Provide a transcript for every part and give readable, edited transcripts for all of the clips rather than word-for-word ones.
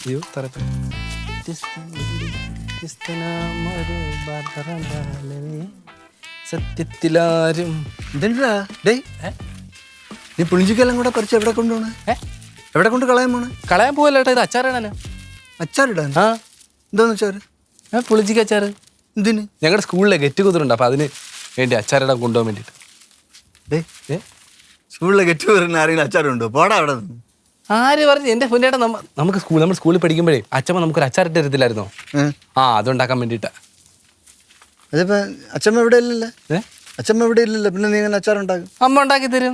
അയ്യോ സത്യത്തിലാരും ഇതെന്താ ഡേ നീ പുളിഞ്ചിക്കെല്ലാം കൂടെ പറിച്ച് എവിടെ കൊണ്ടുപോണേ? എവിടെ കൊണ്ട് കളയാൻ പോണേ? കളയാൻ പോവല്ലേട്ടാ, ഇത് അച്ചാറാണല്ലോ. അച്ചാറിടാൻ? ആ എന്താന്ന് അച്ചാറ്? പുളിഞ്ചിക്ക് അച്ചാറ്. എന്തിന്? ഞങ്ങളുടെ സ്കൂളിലെ ഗെറ്റ് കുതിരുണ്ട്, അപ്പൊ അതിന് വേണ്ടി അച്ചാറിടാൻ കൊണ്ടുപോകാൻ വേണ്ടിട്ട്. സ്കൂളിലെ ഗെറ്റ് കുതിരുന്ന ആരെങ്കിലും അച്ചാറുണ്ടോ? പോടാ അവിടെ നിന്ന്. ആര് പറഞ്ഞു? എന്റെ പൊന്നേട്ടാ, നമ്മൾ സ്കൂളിൽ പഠിക്കുമ്പോഴേ അച്ഛമ്മ നമുക്കൊരു അച്ചാറിട്ട് തരത്തില്ലായിരുന്നോ? ആ, അതുണ്ടാക്കാൻ വേണ്ടിട്ടാ. അതിപ്പോ അച്ഛമ്മ ഇവിടെ ഇല്ലല്ലോ. അച്ഛമ്മ ഇവിടെ ഇല്ലല്ലോ, പിന്നെ നീ ഇങ്ങനെ അച്ചാറുണ്ടാക്കും? അമ്മ ഉണ്ടാക്കി തരും.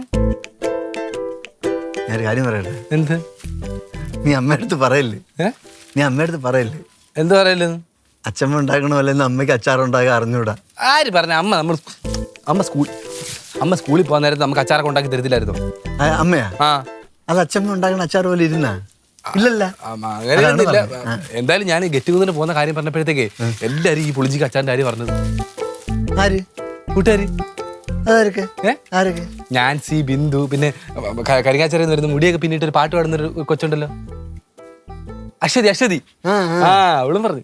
ഞാൻ കാര്യം പറയട്ടെ. എന്ത്? നീ അമ്മയടുത്ത് പറയല്ലേ? നീ അമ്മയടുത്ത് പറയല്ലേ? എന്ത് പറയല്ലേ? അച്ഛമ്മ ഉണ്ടാക്കണമല്ലെന്ന് അമ്മയ്ക്ക് അച്ചാറുണ്ടാക്കാൻ അറിഞ്ഞൂടാ. ആര് പറഞ്ഞ? അമ്മ സ്കൂളിൽ പോകാൻ നേരത്ത് നമുക്ക് അച്ചാറൊക്കെ ഉണ്ടാക്കി തരത്തില്ലായിരുന്നോ? അമ്മയാ? ആ. അത് അച്ഛമ്മ ഉണ്ടാക്കുന്ന അച്ചാർ പോലെ ഇരുന്നാ? ഇല്ലല്ല. അങ്ങനെയൊന്നുമില്ല. എന്തായാലും ഞാൻ ഗെറ്റ് ടുഗദറിന് പോകുന്ന കാര്യം പറഞ്ഞപ്പോഴത്തേക്ക് എല്ലാരും ഈ പുളിഞ്ചിക്ക് അച്ചാറിന്റെ കാര്യം പറഞ്ഞത്. ആര്? കൂട്ടുകാര്. ആരൊക്കെ? നാൻസി, ബിന്ദു, പിന്നെ കരിങ്ങാച്ചെറിയിൽ വരുന്ന മുടിയൊക്കെ പിന്നിട്ട് ഒരു പാട്ട് പാടുന്നൊരു കൊച്ചുണ്ടല്ലോ, അശ്വതി. ആ, അവളും പറഞ്ഞു.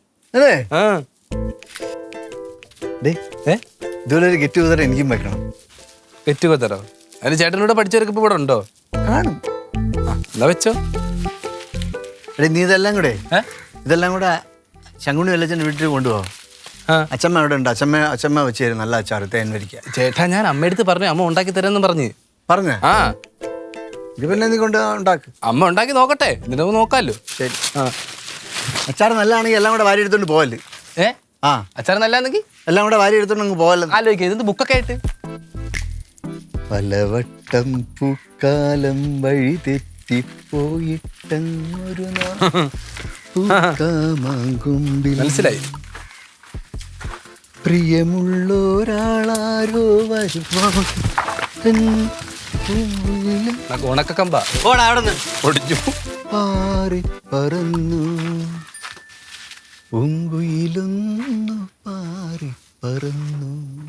ഇതുപോലെ ഒരു ഗെറ്റ് ടുഗദർ എനിക്കും വെക്കണം. ഗെറ്റ് ടുഗദറോ? അതിന് ചേട്ടനോട് പഠിച്ചവർക്ക് ഇപ്പൊ ഇവിടെ ഉണ്ടോ? കാണും. എന്നാ വെച്ചോ. നീ ഇതെല്ലാം കൂടെ ശങ്കുണി വല്ലച്ചൻ്റെ വീട്ടിൽ കൊണ്ടുപോകും. അച്ഛമ്മ അവിടെ ഉണ്ട്. അച്ഛമ്മ വെച്ച് തരും നല്ല അച്ചാർ, തേൻ വരിക്ക. ചേട്ടാ, ഞാൻ അമ്മയടുത്ത് പറഞ്ഞു, അമ്മ ഉണ്ടാക്കി തരാമെന്ന് പറഞ്ഞ്. ആ, ഇത് പിന്നെ നീ കൊണ്ട് ഉണ്ടാക്ക്. അമ്മ ഉണ്ടാക്കി നോക്കട്ടെ, എന്നിട്ട് നോക്കാമല്ലോ. ശരി. അച്ചാർ നല്ലതാണെങ്കിൽ എല്ലാം കൂടെ വാരി എടുത്തോണ്ട് പോവല്ലേ? അച്ചാർ നല്ലതാണെങ്കിൽ എല്ലാം കൂടെ വാരി എടുത്തോണ്ട് അങ്ങ് പോവല്ലോ. ആലോചിക്കുക, ഇതെന്ത് ബുക്കൊക്കെ ആയിട്ട്. പലവട്ടം പൂക്കാലം വഴി തെറ്റിപ്പോയിട്ടൊരു മനസ്സിലായി. പ്രിയമുള്ളൊരാളാരോ ഉണക്കക്കമ്പ ഒടിഞ്ഞു പാറി പറന്നു പൂങ്കുയിലൊന്നു പാറി പറന്നു.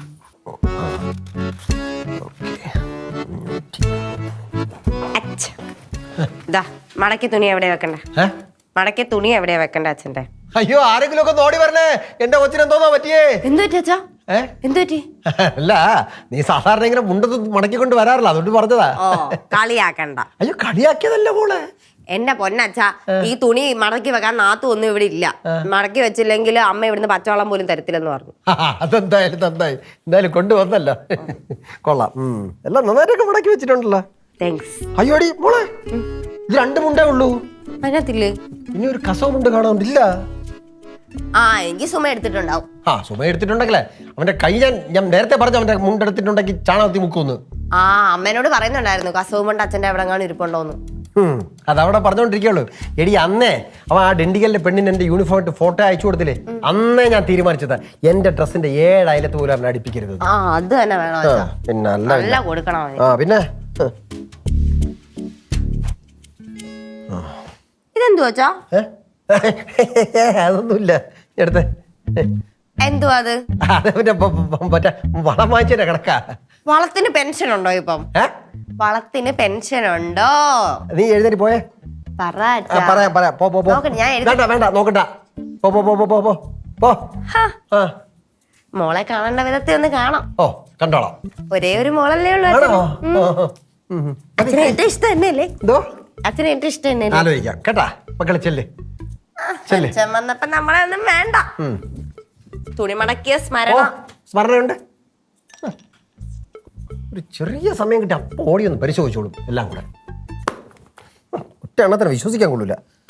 മടക്കി തുണി എവിടെയാ വെക്കണ്ട? മടക്കി തുണി എവിടെയാ വെക്കണ്ട അച്ഛന്റെ? അയ്യോ, ആരെങ്കിലും ഒക്കെ നോടി പറഞ്ഞേ, എന്റെ കൊച്ചിന് എന്തോന്നാ പറ്റിയേ? എന്ത് പറ്റി അച്ഛാ? എന്ത് പറ്റി? അല്ല, നീ സാധാരണ ഇങ്ങനെ മുണ്ടത്ത് മടക്കിക്കൊണ്ട് വരാറില്ല, അതുകൊണ്ട് പറഞ്ഞതാ. ഓ, കളിയാക്കണ്ട. അയ്യോ, കളിയാക്കിയതല്ല മോളെ. എന്റെ പൊന്നച്ഛാ, ഈ തുണി മടക്കി വെക്കാൻ നാത്തു ഒന്നും ഇവിടെ ഇല്ല. മടക്കി വെച്ചില്ലെങ്കിൽ അമ്മ ഇവിടുന്ന് പച്ചവെള്ളം പോലും തരത്തില്ലെന്ന് പറഞ്ഞു. അതെന്തായാലും നന്നായി, എന്തായാലും കൊണ്ടുവന്നല്ലോ. കൊള്ളാം. എല്ലാം നന്നായിട്ടൊക്കെ മടക്കി വെച്ചിട്ടുണ്ടല്ലോ. താങ്ക്സ്. അയ്യോടി മോളെ, ഇത് 2 മുണ്ടേ ഉള്ളൂ. അതിനകത്തില്ലേ? ഇനി ഒരു കസവ് മുണ്ട് കാണാനില്ല. എനിക്ക് സുമ എടുത്തിട്ടുണ്ടാവും. സുമ എടുത്തിട്ടുണ്ടെങ്കിലേ അവന്റെ കൈ ഞാൻ നേരത്തെ പറഞ്ഞു, അവന്റെ മുണ്ടെടുത്തിട്ടുണ്ടെങ്കിൽ ചാണകത്തി മുക്കുന്നു. അമ്മേനോട് പറയുന്നുണ്ടായിരുന്നു കസവ് മുണ്ട് അച്ഛന്റെ എവിടെ കാണും ഇരിപ്പുണ്ടോന്ന്. അതവിടെ പറഞ്ഞോണ്ടിരിക്കുള്ളൂ. എടി, അന്നേ അവൻ ആ ഡെണ്ടിക്കലിന്റെ പെണ്ണിന് എന്റെ യൂണിഫോം ഇട്ട് ഫോട്ടോ അയച്ചു കൊടുത്തില്ലേ, അന്നേ ഞാൻ തീരുമാനിച്ചത് എന്റെ ഡ്രസ്സിന്റെ 7 അയലത്ത് പോലും അവനെ അടിപ്പിക്കരുത്. അത് തന്നെ വേണം. പിന്നെ നല്ല കൊടുക്കണം. പിന്നെ ഇതെന്തു വച്ചാ? അതൊന്നുമില്ല, എടുത്തേ. എന്തുവാ അത്? മറ്റേ വളം വാങ്ങിച്ചതിന്റെ കണക്കാ. വളത്തിന് പെൻഷൻ ഉണ്ടോ ഇപ്പം? വളത്തിന് പെൻഷൻ ഉണ്ടോ? നീ എഴുന്നേറ്റ് പോയേ. പറയാം. വേണ്ട, നോക്കണ്ട. മോളെ കാണേണ്ട വിധത്തിൽ ഒന്ന് കാണാം. ഓ, കണ്ടോളാം. ഒരേ ഒരു മോളല്ലേ ഉള്ളൂ. അച്ഛന് ഏറ്റവും ഇഷ്ടം തന്നെയല്ലേ? അച്ഛന് ഏറ്റവും ഇഷ്ടം തന്നെ. ആലോചിക്കാം കേട്ടാ മക്കളെ. ചെല്ലേ അച്ഛൻ വന്നപ്പോ നമ്മളെ ഒന്നും വേണ്ട. തുണി മടക്കിയ സ്മരണയുണ്ട്. ഒരു ചെറിയ സമയം കിട്ടി അപ്പോൾ ഓടി ഒന്ന് പരിശോധിച്ചോളും എല്ലാം കൂടെ. ഒറ്റ എണ്ണത്തിന് വിശ്വസിക്കാൻ കൊള്ളൂല.